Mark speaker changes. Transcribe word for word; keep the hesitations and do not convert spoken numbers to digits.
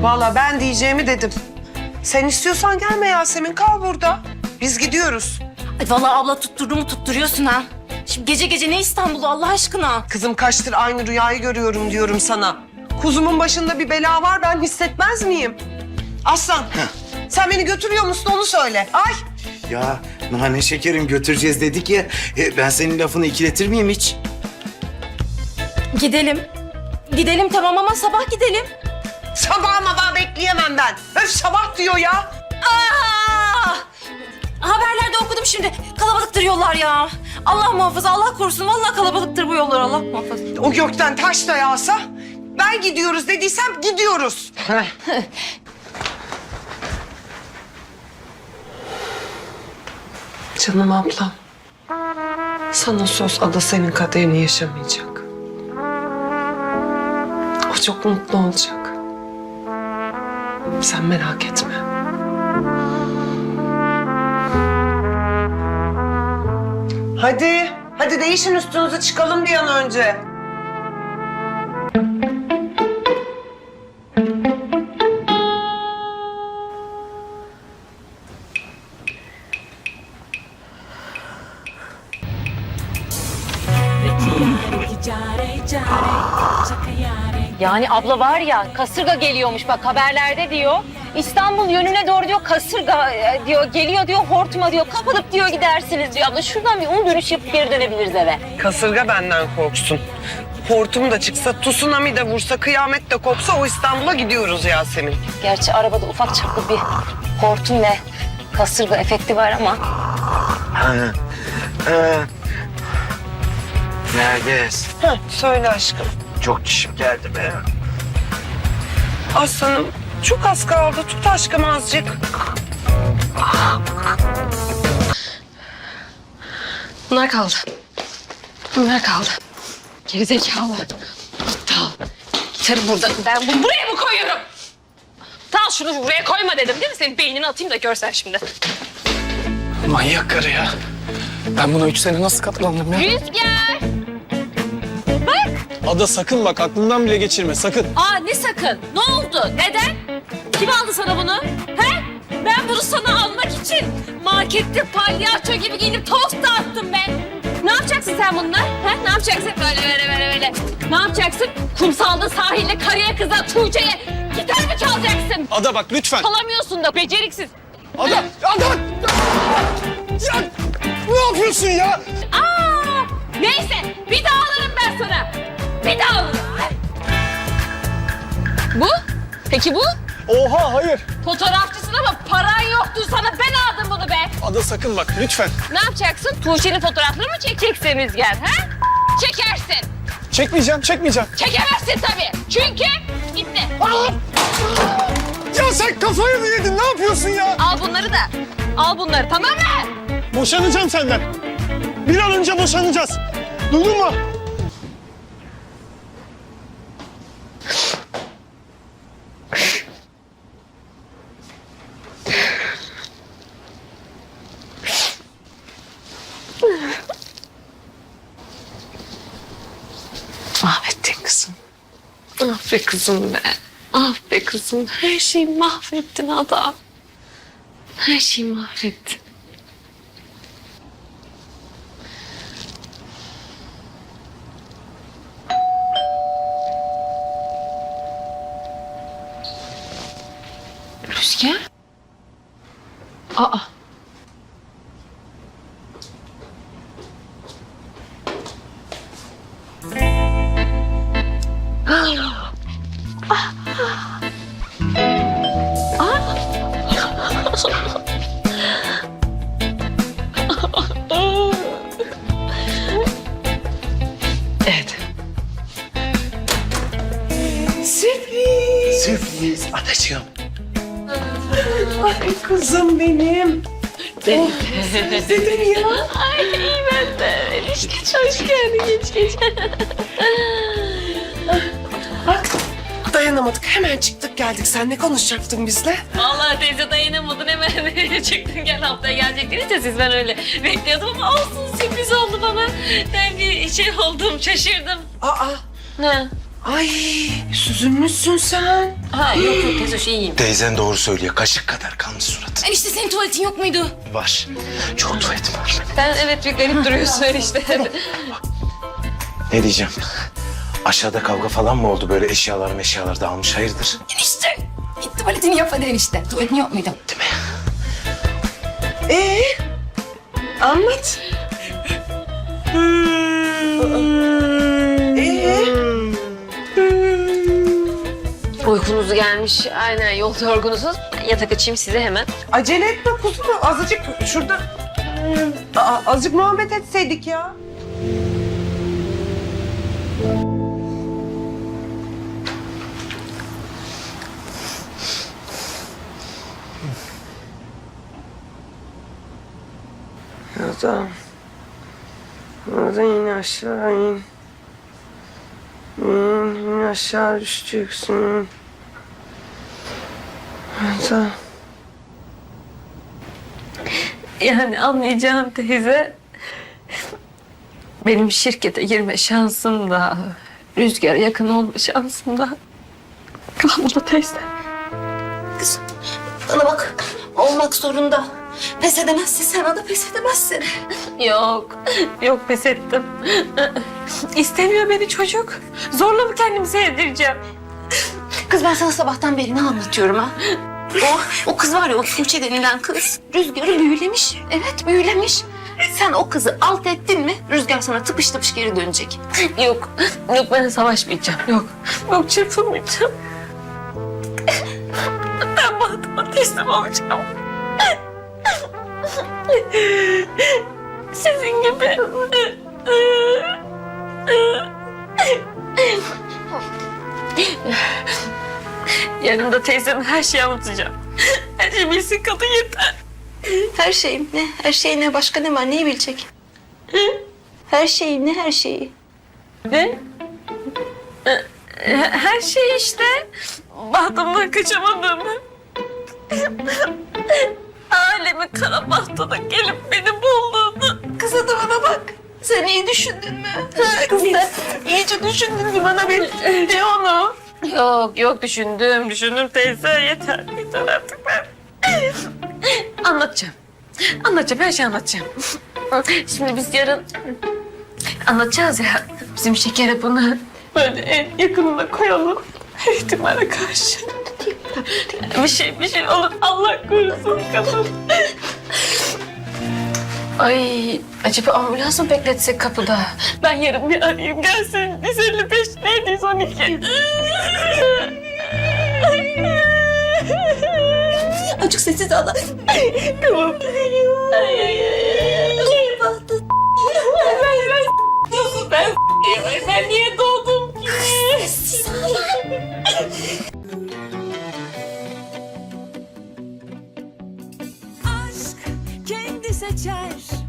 Speaker 1: Vallahi ben diyeceğimi dedim. Sen istiyorsan gelme Yasemin, kal burada. Biz gidiyoruz.
Speaker 2: Ay vallahi abla tutturduğumu tutturuyorsun ha. Şimdi gece gece ne İstanbul'u Allah aşkına?
Speaker 1: Kızım kaçtır aynı rüyayı görüyorum diyorum sana. Kuzumun başında bir bela var, ben hissetmez miyim? Aslan, sen beni götürüyor musun onu söyle. Ay!
Speaker 3: Ya nane şekerim götüreceğiz dedik ya. E, ben senin lafını ikiletir miyim hiç?
Speaker 2: Gidelim. Gidelim tamam ama sabah gidelim.
Speaker 1: Sabah mabah bekleyemem ben. Öf sabah diyor ya.
Speaker 2: Aa! Haberlerde okudum şimdi. Kalabalıktır yollar ya. Allah muhafaza, Allah korusun. Vallahi kalabalıktır bu yollar. Allah muhafaza.
Speaker 1: O gökten taş da yağsa ben gidiyoruz dediysem gidiyoruz. Canım ablam. Sana söz Ada senin kaderini yaşamayacak. O çok mutlu olacak. Sen merak etme. Hadi, hadi değişin üstünüzü çıkalım bir an önce.
Speaker 2: Yani abla var ya kasırga geliyormuş bak haberlerde diyor. İstanbul yönüne doğru diyor kasırga e, diyor geliyor diyor hortuma diyor kapılıp diyor gidersiniz diyor abla. Şuradan bir un dönüş yapıp geri dönebiliriz eve.
Speaker 1: Kasırga benden korksun. Hortum da çıksa, tsunami de vursa, kıyamet de kopsa o İstanbul'a gidiyoruz Yasemin.
Speaker 2: Gerçi arabada ufak çaplı bir hortum ve kasırga efekti var ama.
Speaker 3: Ha, ha. Nergis,
Speaker 1: Heh, söyle aşkım.
Speaker 3: çok dişim geldi be.
Speaker 1: Aslanım çok az kaldı. Tut aşkım azıcık.
Speaker 4: Bunlar kaldı. Bunlar kaldı. Gerizekalı. Tamam. Gitarı burada. Ben bunu buraya mı koyuyorum? Tamam şunu buraya koyma dedim değil mi? Senin beynini atayım da görsen şimdi.
Speaker 5: Manyak karı ya. Ben buna üç sene nasıl katlandım ya?
Speaker 4: Rüzgar!
Speaker 5: Ada sakın bak aklından bile geçirme sakın.
Speaker 4: Aa ne sakın? Ne oldu? Neden? Kim aldı sana bunu? He? Ben bunu sana almak için markette palyaço gibi giyinip tost dağıttım ben. Ne yapacaksın sen bununla? He? Ne yapacaksın? Böyle böyle böyle böyle. Ne yapacaksın? Kumsalda sahilde karıya kıza Tuğçe'ye gitar mı çalacaksın?
Speaker 5: Ada bak lütfen.
Speaker 4: Çalamıyorsun da beceriksiz.
Speaker 5: Ada! Ada! Ya ne yapıyorsun ya?
Speaker 4: Aa! Neyse bir daha alırım ben sana. Bir daha alırım. Bu? Peki bu?
Speaker 5: Oha hayır.
Speaker 4: Fotoğrafçısın ama paran yoktu sana ben aldım bunu be.
Speaker 5: Ada sakın bak lütfen.
Speaker 4: Ne yapacaksın? Tuğçe'nin fotoğraflarını mı çekeceksin Rüzgar ha? Çekersin.
Speaker 5: Çekmeyeceğim çekmeyeceğim.
Speaker 4: Çekemezsin tabii. Çünkü gitti.
Speaker 5: Ya sen kafayı mı yedin ne yapıyorsun ya?
Speaker 4: Al bunları da. Al bunları tamam mı?
Speaker 5: Boşanacağım senden. Bir an önce boşanacağız. Duydun mu?
Speaker 4: Mahvettin kızım. Ah be kızım be. Ah be kızım. Her şeyi mahvettin adam. Her şeyi mahvettin. Rüzgar? Aa.
Speaker 1: Evet. Sürpriz.
Speaker 3: Sürpriz adacığım.
Speaker 1: Ay kızım benim. Ben özledim ya.
Speaker 4: Ay iyi ben de. Geç geç. Hoş geldin geç geç.
Speaker 1: Bak dayanamadık hemen çıktık geldik. Sen ne konuşacaktın bizle?
Speaker 4: Vallahi teyze dayanamadın hemen çıktın gel haftaya gelecektiniz ya siz ben öyle bekliyordum ama olsun sürpriz oldu bana. Ben bir şey oldum şaşırdım.
Speaker 1: Aa
Speaker 4: Ne?
Speaker 1: Ay süzülmüşsün sen.
Speaker 4: Ha yok yok teyze şey iyiyim.
Speaker 3: Teyzen doğru söylüyor. Kaşık kadar kalmış suratın.
Speaker 4: Enişte senin tuvaletin yok muydu?
Speaker 3: Var. Çok tuvaletim var.
Speaker 4: Ben evet bir garip duruyorsun enişte.
Speaker 3: Ne diyeceğim? Aşağıda kavga falan mı oldu? Böyle eşyalar meşyalar dağılmış. Hayırdır?
Speaker 4: Enişte git tuvaletini yap hadi enişte. Tuvaletin yok muydu?
Speaker 3: Değil mi?
Speaker 1: Ee, anlat. Ee,
Speaker 2: Uykunuz gelmiş. Aynen yol yorgunusuz. Yatak açayım size hemen.
Speaker 1: acele etme kuzum. Azıcık şurada Aa, azıcık muhabbet etseydik ya. Yazan. Yazan yine aşağı in. İn, yine aşağı düşeceksin. Yazan.
Speaker 2: Yani anlayacağım teyze. Benim şirkete girme şansım da, Rüzgar'a yakın olma şansım da kalmadı teyze.
Speaker 4: Kız bana bak olmak zorunda. Pes edemezsin sen o da pes edemezsin.
Speaker 2: Yok, yok pes ettim. İstemiyor beni çocuk. Zorla mı kendimi sevdireceğim?
Speaker 4: Kız ben sana sabahtan beri ne anlatıyorum ha? O, o kız var ya o Tuğçe denilen kız Rüzgar'ı büyülemiş. Evet büyülemiş. Sen o kızı alt ettin mi Rüzgar sana tıpış tıpış geri dönecek.
Speaker 2: Yok, yok ben savaşmayacağım. Yok, yok çırpınmayacağım. Ben bahtıma teslim olacağım. Sizin gibi. Yanımda teyzeme her şeyi anlatacağım. Her şeyi bilsin kadın yeter.
Speaker 4: Her şeyim ne? Her şey ne? Başka ne var? Neyi bilecek? Her şeyi ne? Her şeyi.
Speaker 2: Ne? Her şey işte. Bahtımdan kaçamadığımı. Alemi kara bahtada gelip beni bulduğunu.
Speaker 4: Kız adamına bak. Sen iyi düşündün mü? Ha, kız sen iyice düşündün mü bana bir de onu?
Speaker 2: Yok yok düşündüm düşündüm teyze yeter yeter artık ben. Anlatacağım. Anlatacağım her şeyi anlatacağım. Şimdi biz yarın anlatacağız ya bizim şekere bunu böyle en yakınına koyalım. Her ihtimale karşı. Bir şey bir şey olur Allah korusun kadın. Ay acaba ambulans mı bekletsek kapıda? Ben yarın bir arayayım gelsin. yüz elli beş neydi yüz on iki?
Speaker 4: Azıcık sessiz al.
Speaker 2: Tamam. Ay ay ay. Ben ben ben ben niye doğdum ki?
Speaker 6: aşk kendi seçer